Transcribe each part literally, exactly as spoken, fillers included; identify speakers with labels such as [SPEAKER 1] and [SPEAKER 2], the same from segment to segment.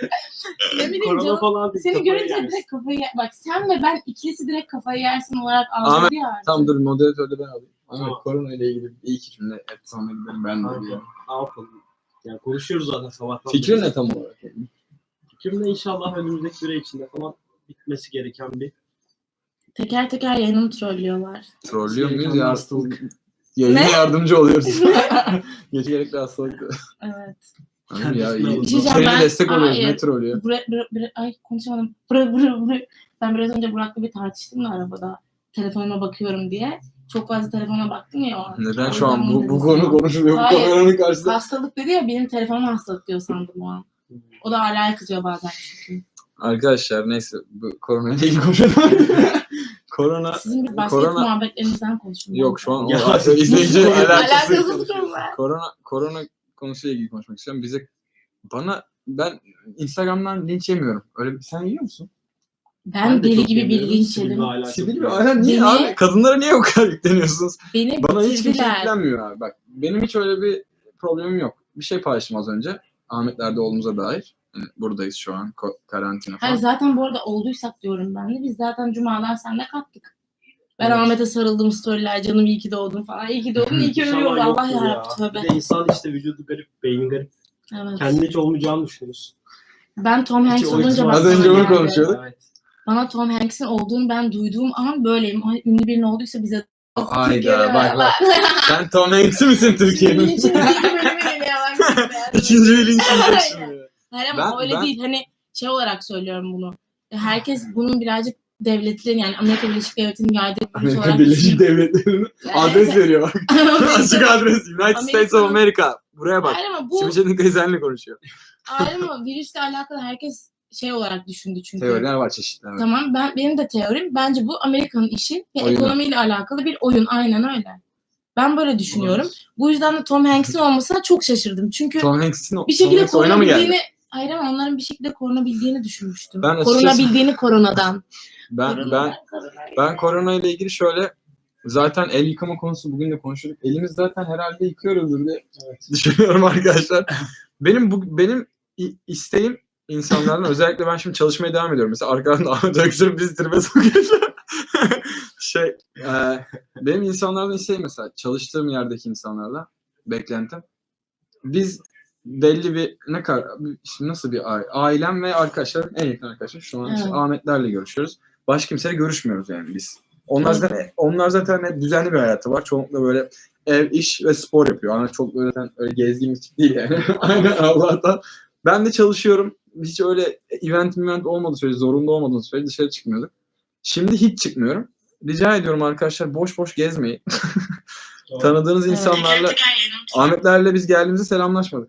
[SPEAKER 1] Ne bileyim
[SPEAKER 2] Korona
[SPEAKER 1] canım.
[SPEAKER 2] falan değil,
[SPEAKER 1] Seni
[SPEAKER 2] kafayı
[SPEAKER 1] görünce
[SPEAKER 2] yersin.
[SPEAKER 1] direkt kafayı yer. Bak sen ve ben ikilisi direkt kafayı yersin olarak algıladı ya artık.
[SPEAKER 3] Tam dur moderatörde ben alayım. Ama
[SPEAKER 2] Tamam.
[SPEAKER 3] korona ile ilgili bir iki cümle et sonra gidelim ben de
[SPEAKER 2] Kanka,
[SPEAKER 3] diyeyim.
[SPEAKER 2] ne yapalım? Yani konuşuyoruz zaten sabahtan.
[SPEAKER 3] Fikrin
[SPEAKER 2] beri.
[SPEAKER 3] ne tam olarak?
[SPEAKER 2] Fikrim de inşallah önümüzdeki süre içinde falan bitmesi gereken bir
[SPEAKER 1] Teker teker yayınımı trollüyorlar.
[SPEAKER 3] Trollüyor muyuz
[SPEAKER 2] gereken bir
[SPEAKER 3] ya?
[SPEAKER 2] hastalık.
[SPEAKER 3] Yayına
[SPEAKER 1] Ne?
[SPEAKER 3] yardımcı oluyoruz. Gece gerekli hastalık.
[SPEAKER 1] Evet.
[SPEAKER 3] Anladın ya?
[SPEAKER 2] Kendisine alın.
[SPEAKER 1] Bir şey diyeceğim,
[SPEAKER 3] Senin
[SPEAKER 1] ben-
[SPEAKER 3] destek oluyoruz.
[SPEAKER 1] Hayır.
[SPEAKER 3] Ne trollüyor?
[SPEAKER 1] Bura, bura, bura, ay konuşamadım. Bura, bura, bura. Ben biraz önce Burak'la bir tartıştım da arabada. Telefonuma bakıyorum diye. Çok fazla telefona baktım ya o an.
[SPEAKER 3] Neden
[SPEAKER 1] O
[SPEAKER 3] şu an
[SPEAKER 1] yüzden
[SPEAKER 3] bu,
[SPEAKER 1] bunu
[SPEAKER 3] bu
[SPEAKER 1] dedim
[SPEAKER 3] konu
[SPEAKER 1] sana.
[SPEAKER 3] konuşuluyor? Bu
[SPEAKER 1] Hayır.
[SPEAKER 3] kameranın karşısında.
[SPEAKER 1] Hastalık dedi ya, benim telefonum hastalık diyor sandım o an. O da hala kızıyor bazen çünkü.
[SPEAKER 3] Arkadaşlar neyse bu korona ile ilgili konuşalım. Korona
[SPEAKER 1] Sizin bir basket
[SPEAKER 3] korona
[SPEAKER 1] muhabbetlerinizden konuşun.
[SPEAKER 3] yok şu an o
[SPEAKER 2] Ya,
[SPEAKER 3] artık izleyici alakası.
[SPEAKER 1] Alakasız konular.
[SPEAKER 3] Korona korona konusuyla ilgili konuşmak istiyorum. Bize bana ben Instagram'dan linç yemiyorum. Öyle bir sen yiyor musun?
[SPEAKER 1] Ben,
[SPEAKER 2] Ben de
[SPEAKER 1] deli
[SPEAKER 2] çok
[SPEAKER 1] gibi
[SPEAKER 2] yemiyorum.
[SPEAKER 1] bilgi
[SPEAKER 2] Sibil
[SPEAKER 1] içerim.
[SPEAKER 2] ve hala çok
[SPEAKER 3] Sibil mi?
[SPEAKER 2] yemiyorum.
[SPEAKER 3] Aynen niye
[SPEAKER 1] Beni-
[SPEAKER 3] abi? Kadınlara niye o kadar yükleniyorsunuz?
[SPEAKER 1] Beni
[SPEAKER 3] Bana hiç kimse
[SPEAKER 1] bitirdiler.
[SPEAKER 3] yüklenmiyor abi. Bak benim hiç öyle bir problemim yok. Bir şey paylaştım az önce. Ahmetler'de olduğumuza dair. Yani buradayız şu an. Ko- karantina falan.
[SPEAKER 1] Hayır zaten bu arada olduysak diyorum ben de. Biz zaten cumadan seninle kalktık. Ben
[SPEAKER 2] Evet.
[SPEAKER 1] Ahmet'e sarıldım storyler. Canım iyi ki doğdun falan. İyi ki doğdun, iyi ki
[SPEAKER 2] İnşallah
[SPEAKER 1] ölüyordu. Allah
[SPEAKER 2] yoktur
[SPEAKER 1] yarabbim tövbe.
[SPEAKER 2] Bir de insan işte vücudu garip, beyni garip.
[SPEAKER 1] Evet.
[SPEAKER 2] Kendine hiç olmayacağını düşünüyorsun.
[SPEAKER 1] Ben Tom Hanks
[SPEAKER 2] Hiç o
[SPEAKER 1] olunca
[SPEAKER 2] ihtimal-
[SPEAKER 1] bak
[SPEAKER 3] Az önce
[SPEAKER 1] bana
[SPEAKER 3] onu
[SPEAKER 1] geldi.
[SPEAKER 3] konuşuyorduk.
[SPEAKER 2] Evet.
[SPEAKER 1] Bana Tom Hanks'in olduğunu ben duyduğum an böyleyim. Ay, ünlü birinin olduysa bize
[SPEAKER 3] Hayda bak bak. Sen Tom Hanks'i misin Türkiye'nin?
[SPEAKER 1] Linçin ikinci bölümü geliyor bak.
[SPEAKER 3] İkinci bir linç yiyecek şimdi.
[SPEAKER 1] Hayır ama
[SPEAKER 3] Ben-
[SPEAKER 1] öyle
[SPEAKER 3] ben-
[SPEAKER 1] değil. Hani şey olarak söylüyorum bunu. Herkes bunun birazcık devletlerin yani Amerika Birleşik Devletleri'nin yaydığı bir kuruş
[SPEAKER 3] Amerika
[SPEAKER 1] olarak
[SPEAKER 3] Birleşik Devletleri'nin adres veriyor bak. Açık adres. United
[SPEAKER 1] Amerika-
[SPEAKER 3] States of America. Buraya bak.
[SPEAKER 1] Hayır ama bu
[SPEAKER 3] Simece'nin teyzenle konuşuyor.
[SPEAKER 1] hayır ama virüsle alakalı herkes şey olarak düşündü çünkü.
[SPEAKER 3] Teoriler var çeşitli. Evet.
[SPEAKER 1] Tamam ben benim de teorim bence bu Amerika'nın işi ve
[SPEAKER 3] Oyunu.
[SPEAKER 1] ekonomiyle alakalı bir oyun, aynen öyle. Ben böyle düşünüyorum. Bu yüzden de Tom Hanks'in olmasına çok şaşırdım. Çünkü
[SPEAKER 3] Tom Hanks'in
[SPEAKER 1] bir
[SPEAKER 3] Tom
[SPEAKER 1] şekilde
[SPEAKER 3] Hanks oyuna mı geldi?
[SPEAKER 1] korunabildiğini hayır ama onların bir şekilde korunabildiğini düşünmüştüm.
[SPEAKER 3] Ben açıkçası-
[SPEAKER 1] Korunabildiğini koronadan.
[SPEAKER 3] Ben
[SPEAKER 1] Koronadan,
[SPEAKER 3] ben
[SPEAKER 1] koronadan.
[SPEAKER 3] ben korona ile ilgili şöyle zaten el yıkama konusu bugün de konuştuk. Elimiz zaten herhalde yıkıyoruzdur diye
[SPEAKER 2] Evet.
[SPEAKER 3] düşünüyorum arkadaşlar. Benim bu benim i- isteğim insanlardan özellikle ben şimdi çalışmaya devam ediyorum. Mesela arkadan Ahmet Öksür'ün bizi tribe sokuyor. şey e, benim insanlardan isteğim mesela çalıştığım yerdeki insanlardan beklentim. Biz belli bir ne kadar şimdi nasıl bir aile, ailem ve arkadaşlarım en yakın arkadaşım şu an işte
[SPEAKER 1] Evet.
[SPEAKER 3] Ahmetlerle görüşüyoruz. Başka kimseyle görüşmüyoruz yani biz. Onlar
[SPEAKER 1] Evet.
[SPEAKER 3] zaten onlar zaten hep düzenli bir hayatı var. Çoğunlukla böyle ev, iş ve spor yapıyor. Ama çok böyle öyle gezgin bir tip değil yani. Aynen Allah'tan. Ben de çalışıyorum. Hiç öyle event event olmadığı sürece, zorunda olmadığı sürece dışarı çıkmıyorduk. Şimdi hiç çıkmıyorum. Rica ediyorum arkadaşlar boş boş gezmeyin. Tanıdığınız
[SPEAKER 1] Evet.
[SPEAKER 3] insanlarla Ahmetlerle biz geldiğimizde selamlaşmadık.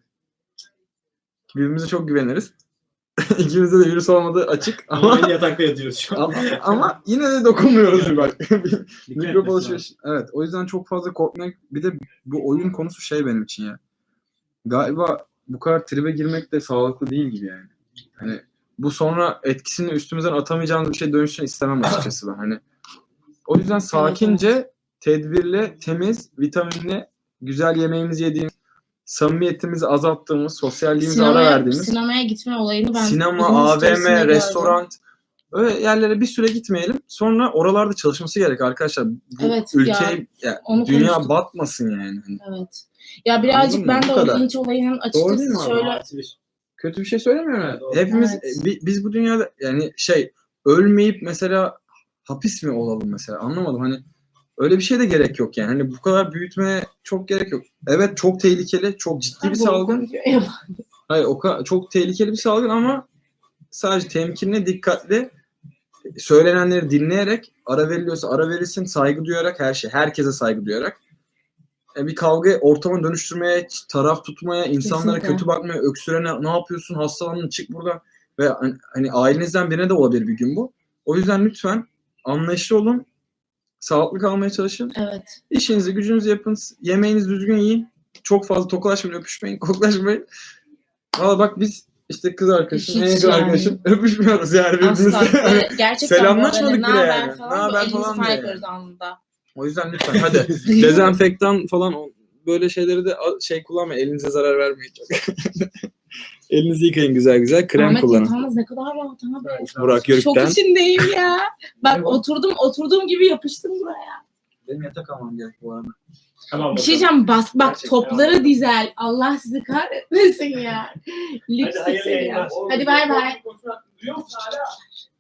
[SPEAKER 3] Birbirimize çok güveniriz. İkimizde de virüs olmadığı açık
[SPEAKER 2] Ama
[SPEAKER 3] ama
[SPEAKER 2] aynı yatakta yatıyoruz şu an.
[SPEAKER 3] ama, ama yine de dokunmuyoruz bak.
[SPEAKER 2] Dikkat
[SPEAKER 3] Mikrop
[SPEAKER 2] etmesi
[SPEAKER 3] alışveriş. Evet. O yüzden çok fazla korkmak. Bir de bu oyun konusu şey benim için ya. Galiba bu kadar tribe girmek de sağlıklı değil gibi yani. Hani bu sonra etkisini üstümüzden atamayacağımız bir şey dönüşsün istemem açıkçası ben. Hani o yüzden sakince, tedbirli, temiz, vitaminli, güzel yemeğimizi yediğimiz, samimiyetimizi azalttığımız, sosyalliğimize ara
[SPEAKER 1] Sinemaya,
[SPEAKER 3] verdiğimiz,
[SPEAKER 1] sinemaya gitme olayını ben
[SPEAKER 3] sinema,
[SPEAKER 1] birinin
[SPEAKER 3] A V
[SPEAKER 1] storiesinde
[SPEAKER 3] M,
[SPEAKER 1] gördüm.
[SPEAKER 3] restoran, öyle yerlere bir süre gitmeyelim. Sonra oralarda çalışması gerek arkadaşlar. Bu
[SPEAKER 1] Evet,
[SPEAKER 3] ülkeyi, ya,
[SPEAKER 1] onu
[SPEAKER 3] dünya
[SPEAKER 1] konuştuk.
[SPEAKER 3] batmasın yani. Hani
[SPEAKER 1] Evet. Ya birazcık
[SPEAKER 3] Anladın mı?
[SPEAKER 1] ben
[SPEAKER 3] Bu
[SPEAKER 1] de o
[SPEAKER 3] kadar.
[SPEAKER 1] linç olayının
[SPEAKER 3] Doğru değil mi
[SPEAKER 1] açıkçası
[SPEAKER 3] abi?
[SPEAKER 1] şöyle
[SPEAKER 2] Artı bir.
[SPEAKER 3] kötü bir şey söylemiyorum.
[SPEAKER 2] Evet,
[SPEAKER 3] Yani.
[SPEAKER 2] doğru.
[SPEAKER 3] Hepimiz
[SPEAKER 1] Evet.
[SPEAKER 3] bi- biz bu dünyada yani şey ölmeyip mesela hapis mi olalım mesela anlamadım hani öyle bir şey de gerek yok yani. Hani bu kadar büyütmeye çok gerek yok. Evet çok tehlikeli, çok ciddi bir
[SPEAKER 1] Doğru
[SPEAKER 3] salgın.
[SPEAKER 1] konuşuyor. Eyvah.
[SPEAKER 3] Hayır o kadar çok tehlikeli bir salgın ama sadece temkinli, dikkatli söylenenleri dinleyerek ara veriliyorsa ara verilsin, saygı duyarak her şey, herkese saygı duyarak e, bir kavga ortamı dönüştürmeye, taraf tutmaya, insanlara
[SPEAKER 1] Kesinlikle.
[SPEAKER 3] kötü bakmaya, öksürene ne yapıyorsun, hastalandın çık buradan ve hani, hani ailenizden birine de olabilir bir gün bu. O yüzden lütfen anlayışlı olun, sağlıklı kalmaya çalışın.
[SPEAKER 1] Evet.
[SPEAKER 3] İşinizi, gücünüzü yapın, yemeğinizi düzgün yiyin. Çok fazla tokalaşmayın, öpüşmeyin, koklaşmayın. Valla bak biz işte kız arkadaşım, en
[SPEAKER 1] Hiç
[SPEAKER 3] yakın
[SPEAKER 1] yani.
[SPEAKER 3] arkadaşım öpüşmüyoruz yani birbirimizle.
[SPEAKER 1] Asla. Böyle gerçekten
[SPEAKER 3] Selamlaşmadık
[SPEAKER 1] böyle
[SPEAKER 3] bile
[SPEAKER 1] naber
[SPEAKER 3] yani.
[SPEAKER 1] falan
[SPEAKER 3] Naber
[SPEAKER 1] böyle elimizi
[SPEAKER 3] falan
[SPEAKER 1] falan
[SPEAKER 3] diye
[SPEAKER 1] yapıyoruz anında.
[SPEAKER 3] O yüzden lütfen hadi dezenfektan falan o- böyle şeyleri de a- şey kullanmayın. Elinize zarar vermeyin çok. Elinizi yıkayın güzel güzel. Krem
[SPEAKER 1] Ahmet
[SPEAKER 3] kullanın.
[SPEAKER 1] yatağımız ne kadar rahat abi.
[SPEAKER 3] Burak
[SPEAKER 1] Şok
[SPEAKER 3] Yörük'ten.
[SPEAKER 1] içindeyim ya. Ben
[SPEAKER 3] Ne bu?
[SPEAKER 1] oturdum oturduğum gibi yapıştım buraya.
[SPEAKER 3] Benim yatak almam gerek bu arada.
[SPEAKER 2] Tamam
[SPEAKER 1] Bir şey diyeceğim bas bak
[SPEAKER 2] Gerçekten
[SPEAKER 1] topları
[SPEAKER 2] ya.
[SPEAKER 1] dizel. Allah sizi kahretmesin ya. Lüks
[SPEAKER 2] Hadi hayırlı
[SPEAKER 1] ya.
[SPEAKER 2] yayınlar.
[SPEAKER 1] Hadi bay bay.
[SPEAKER 2] Duyuyor musun hala?